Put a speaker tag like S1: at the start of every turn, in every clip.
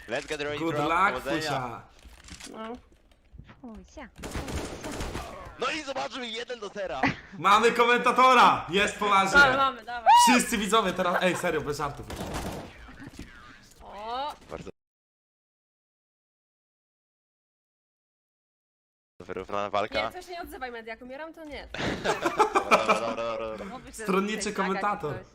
S1: Let's get ready.
S2: Good luck, Fusia.
S3: No.
S4: Fusia.
S1: No i zobaczmy 1-0.
S2: Mamy komentatora! Jest poważnie.
S3: Mamy, dawaj.
S2: Wszyscy widzowie teraz... Ej, serio, bez żartów.
S3: O,
S1: Bardzo wyrównana
S3: nie,
S1: walka.
S3: to się nie odzywaj, Media, jak umieram, to nie.
S1: Dobra.
S4: Mówisz, że
S2: Stronniczy
S4: tutaj
S2: komentator.
S4: zagadzi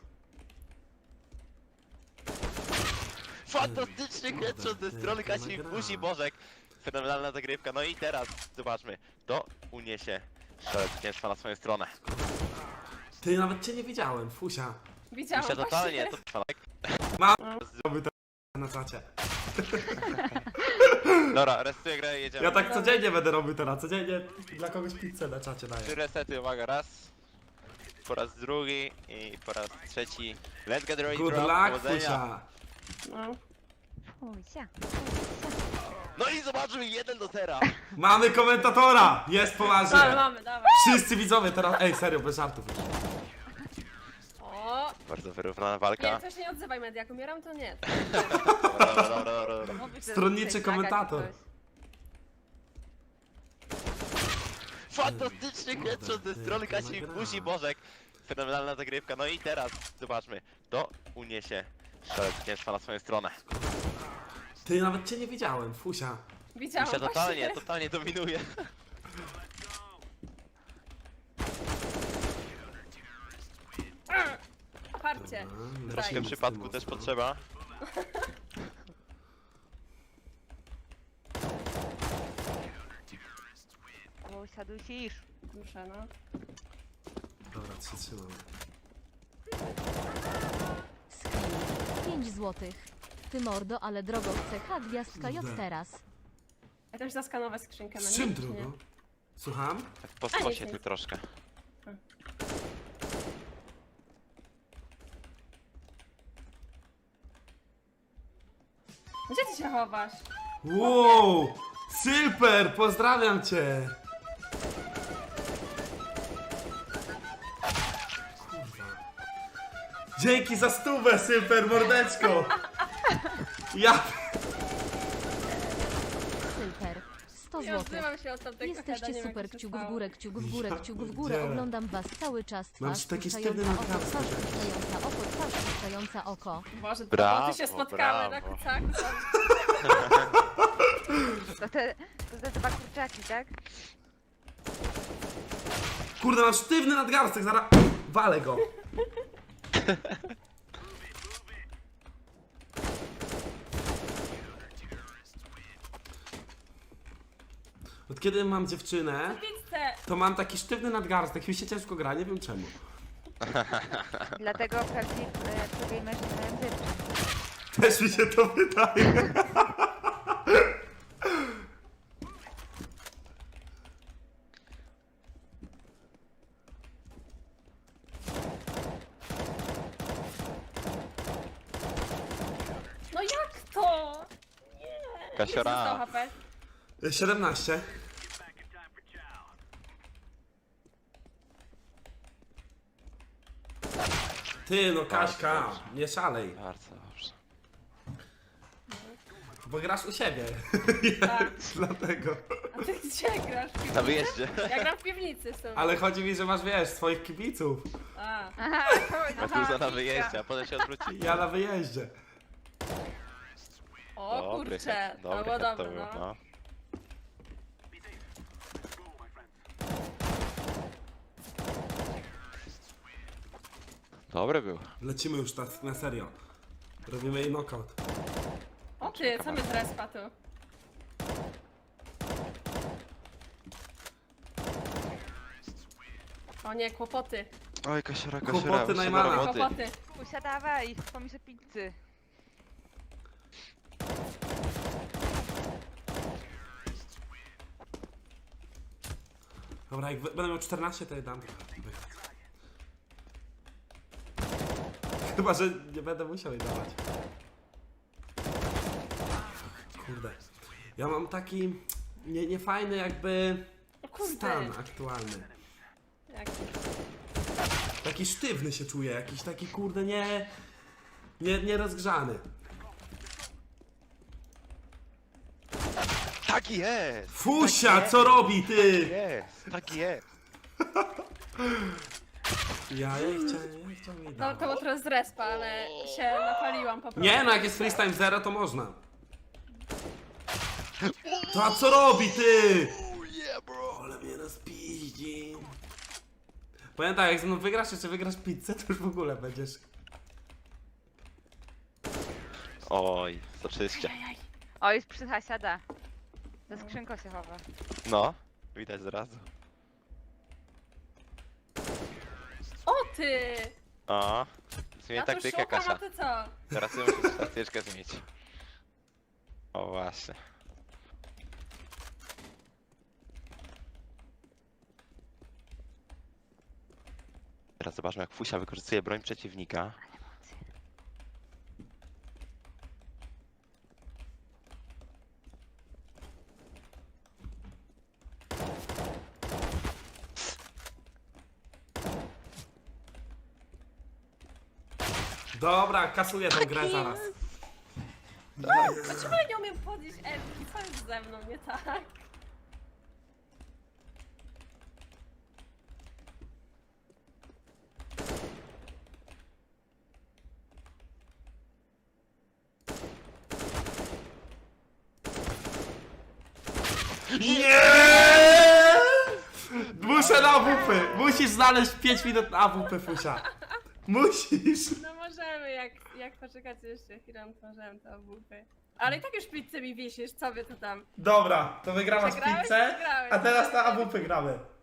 S1: Fantastyczny headshot ze strony Kasi Fusi Bożek. Fenomenalna zagrywka. No i teraz zobaczmy. To uniesie szalec zwycięstwa na swoją stronę.
S2: Ty, nawet cię nie widziałem, Fusia.
S3: Widziałam
S1: Myślę totalnie,
S3: właśnie.
S1: to tak.
S2: Mam zrobił to na czacie.
S1: Dobra, resetuję grę i jedziemy.
S2: Ja tak codziennie będę robił teraz, codziennie dla kogoś pizzę na czacie daję.
S1: 3 resety, uwaga, raz. Po raz drugi i po raz trzeci. Let's get ready.
S2: Good
S1: drop.
S2: luck,
S1: Powodzenia.
S2: Fusia.
S3: No.
S4: Fusia.
S1: No i zobaczmy 1-0.
S2: Mamy komentatora! Jest poważnie.
S3: Mamy, dawaj.
S2: Wszyscy widzowie teraz... Ej, serio, bez żartów.
S3: O,
S1: Bardzo wyrównana
S3: nie,
S1: walka.
S3: to się nie odzywaj, Media, jak umieram, to nie.
S1: Dobra.
S4: Mówisz, że
S2: Stronniczy
S4: tutaj
S2: komentator.
S4: zagadzi
S1: Fantastyczny headshot ze strony Kasi Fusi Bożek. Fenomenalna zagrywka. No i teraz zobaczmy. To uniesie szalec zwycięstwa na swoją stronę.
S2: Ty, nawet cię nie widziałem, Fusia.
S3: Widziałam
S1: Myślę
S3: właśnie.
S1: totalnie dominuje.
S3: Parcie.
S1: W tym przypadku też potrzeba.
S4: Fusia, dusisz.
S3: Muszę, no.
S2: Dobra, trzymam.
S5: 5 złotych. Ty mordo, ale drogo CH gwiazdka J teraz.
S3: Ja też zaskanować skrzynkę na
S2: Z czym
S3: nie, czy nie?
S2: drugo? Słucham?
S1: Po skosie tu troszkę.
S3: Gdzie ty się chowasz?
S2: Wow! Silper, pozdrawiam cię! Kurwa. Dzięki za stówę, Silper, mordeczko! Ja...
S5: Super. 100
S3: Nie
S5: złotych.
S3: odzywam się od tamtego heada, nie
S5: Jesteście
S3: wiem,
S5: super,
S3: jak się
S5: kciuk w
S3: stało.
S5: górę, kciuk w górę,
S2: Ja
S5: kciuk w górę.
S2: pierdzielę.
S5: Oglądam was cały czas.
S2: Mam
S5: Twarz
S2: taki
S5: puszczająca
S2: sztywny
S5: oko,
S2: nadgarst,
S5: twarz
S2: że-
S5: puszczająca oko, twarz puszczająca oko.
S3: Boże,
S1: Brawo,
S3: to się spotkamy na
S1: brawo.
S3: kucaku.
S4: To te dwa kurczaki, tak?
S2: Kurde, mam sztywny nadgarstek, zaraz... Walę go! Od kiedy mam dziewczynę,
S3: Pizzę!
S2: to mam taki sztywny nadgarstek, mi się ciężko gra, nie wiem czemu.
S4: Dlatego prawdziwi mężczyźni mają dziewczyn.
S2: Też mi się to wydaje.
S3: No jak to? Nie!
S1: Kasiora.
S3: Ile zostało HP?
S2: 17. Ty, no Kaśka, nie szalej,
S1: Bardzo dobrze.
S2: bo grasz u siebie.
S3: Tak.
S2: Dlatego.
S3: A ty gdzie grasz? W
S1: Na
S3: piwnicy?
S1: wyjeździe.
S3: Ja gram w piwnicy w sumie.
S2: Ale chodzi mi, że masz, wiesz, swoich kibiców.
S3: A.
S1: A tu na wyjeździe, a potem się odwróci.
S2: Ja na wyjeździe.
S3: O kurcze, to było
S1: head
S3: dobre,
S1: był,
S3: no.
S1: Dobry był.
S2: Lecimy już na serio. Robimy jej knockout.
S3: O ty, co mnie z respa tu? O nie, kłopoty.
S1: Oj, Kasiora,
S2: Kłopoty
S1: wyszło do
S2: Najmana.
S1: roboty.
S3: Kłopoty.
S4: Fusia, dawaj, pomiszę pizzy.
S2: Dobra, jak będę miał 14, to je dam. Chyba, że nie będę musiał jej dawać. Kurde. Ja mam taki niefajny jakby
S3: O kurde.
S2: stan aktualny.
S3: Jak...
S2: Taki sztywny się czuję, jakiś taki kurde nie rozgrzany.
S1: Tak jest!
S2: Fusia, co robi ty?
S1: Jest! Tak jest!
S2: Ja nie chciałem mi
S3: No
S2: dać.
S3: to było teraz z respa, ale się napaliłam po prostu.
S2: Nie no, jak jest freestyle 0 to można. To a co robi ty?
S1: Oh yeah, bro!
S2: Ale mnie rozpiździ. Powiem tak, jak ze mną wygrasz, czy wygrasz pizzę, to już w ogóle będziesz...
S1: Oj, zaczyście.
S4: O, jest psycha siada. Za skrzynką się chowa.
S1: No, widać zrazu.
S3: O ty!
S1: O, zmień
S3: Ja tu
S1: taktykę,
S3: szukam, a
S1: Kasia.
S3: ty co?
S1: Teraz ty musisz taktyczkę zmienić. O właśnie. Teraz zobaczmy, jak Fusia wykorzystuje broń przeciwnika.
S2: Dobra, kasuję tą grę zaraz.
S3: Dlaczego ja nie umiem podnieść Elki? Co jest ze mną nie tak?
S2: Nie! Muszę na AWP. Musisz znaleźć 5 minut na AWP, Fusia. Musisz.
S3: No możemy, jak poczekać jeszcze chwilę, to możemy to obupy. Ale i tak już pizzę mi wisisz, co wy to tam?
S2: Dobra, to wygrałaś
S3: Przegrałeś?
S2: pizzę,
S3: Przegrałeś.
S2: a teraz na AWP gramy.